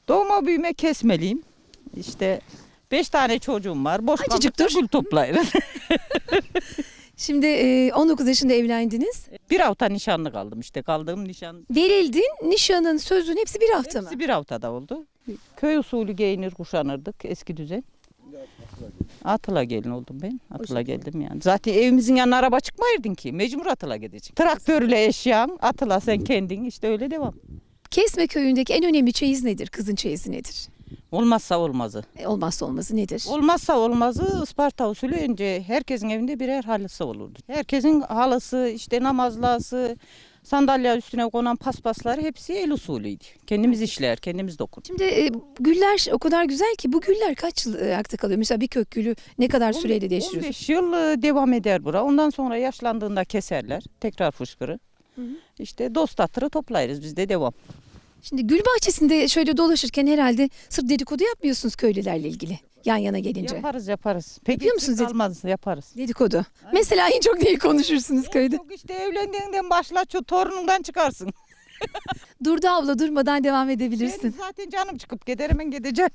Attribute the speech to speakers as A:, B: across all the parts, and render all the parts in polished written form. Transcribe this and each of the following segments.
A: Doğma büyüme Kesmeliyim. İşte 5 tane çocuğum var. Boş
B: Acıcık
A: kaldıkça
B: dur.
A: gül toplayırız.
B: Şimdi 19 yaşında evlendiniz.
A: Bir hafta nişanlı kaldım işte. Kaldığım nişan
B: Verildin, nişanın, sözün hepsi bir hafta mı?
A: hepsi bir haftada oldu. Köy usulü giyinir kuşanırdık eski düzen. Atıla gelin oldum ben. Atıla geldim yani. Zaten evimizin yanına araba çıkmayırdın ki. Mecbur atıla gideceksin. Traktörle eşyan, atıla sen kendin işte öyle devam.
B: Kesme köyündeki en önemli çeyiz nedir? Kızın çeyizi nedir?
A: Olmazsa olmazı.
B: Olmazsa olmazı nedir?
A: Olmazsa olmazı Isparta usulü önce herkesin evinde birer halısı olurdu. Herkesin halısı, işte namazlası, sandalye üstüne konan paspasları hepsi el usulüydü. Kendimiz işler, kendimiz dokun.
B: Şimdi güller o kadar güzel ki bu güller kaç yıl ayakta kalıyor? Mesela bir kök gülü ne kadar süreyle değiştiriyorsun?
A: 15 yıl devam eder bura. Ondan sonra yaşlandığında keserler. Tekrar fışkırı. İşte dost hatırı toplayırız biz de devam.
B: Şimdi gül bahçesinde şöyle dolaşırken herhalde sırf dedikodu yapmıyorsunuz köylülerle ilgili yan yana gelince.
A: Yaparız. Peki
B: Yapıyor musunuz
A: kalmaz yaparız.
B: Dedikodu. Mesela en çok neyi konuşursunuz köyde?
A: Yok işte evlendiğinden başla şu torunundan çıkarsın.
B: Durdu abla durmadan devam edebilirsin.
A: Benim zaten canım çıkıp gider hemen gideceğim.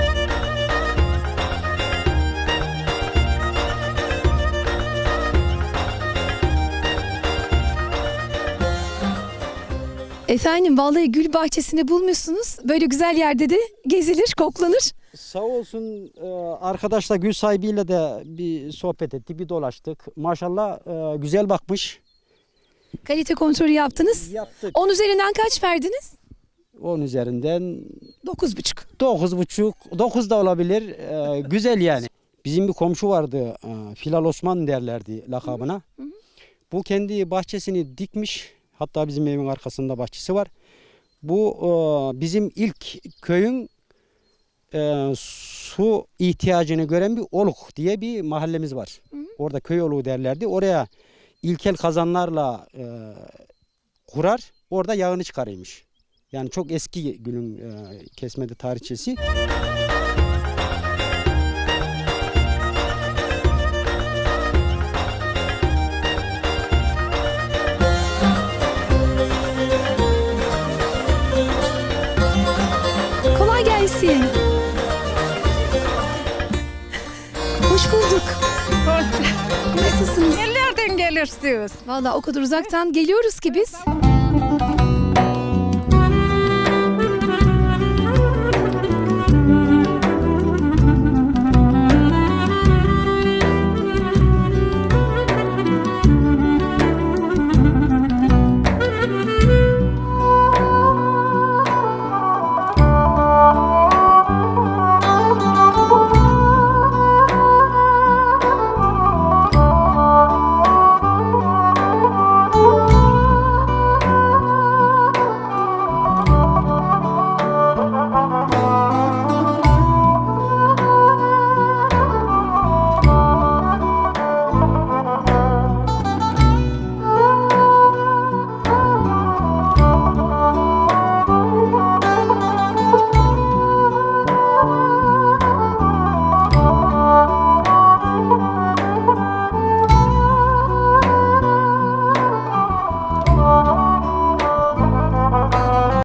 B: Efendim vallahi gül bahçesini bulmuşsunuz. Böyle güzel yerde de gezilir, koklanır.
C: Sağ olsun arkadaşla gül sahibiyle de bir sohbet ettik, bir dolaştık. Maşallah güzel bakmış.
B: Kalite kontrolü yaptınız.
C: Yaptık.
B: 10 üzerinden kaç verdiniz?
C: 10 üzerinden
B: 9,5.
C: 9,5, 9 da olabilir. Güzel yani. Bizim bir komşu vardı, Filal Osman derlerdi lakabına. Bu kendi bahçesini dikmiş. Hatta bizim evin arkasında bahçesi var. Bu bizim ilk köyün su ihtiyacını gören bir oluk diye bir mahallemiz var. Orada köy oluğu derlerdi. Oraya ilkel kazanlarla kurar. Orada yağını çıkarıymış. Yani çok eski gülün kesmedi tarihçesi.
B: Kolay gelsin. Hoş bulduk. Nasılsınız?
D: Nereden gelirsiniz?
B: Vallahi o kadar uzaktan geliyoruz ki biz.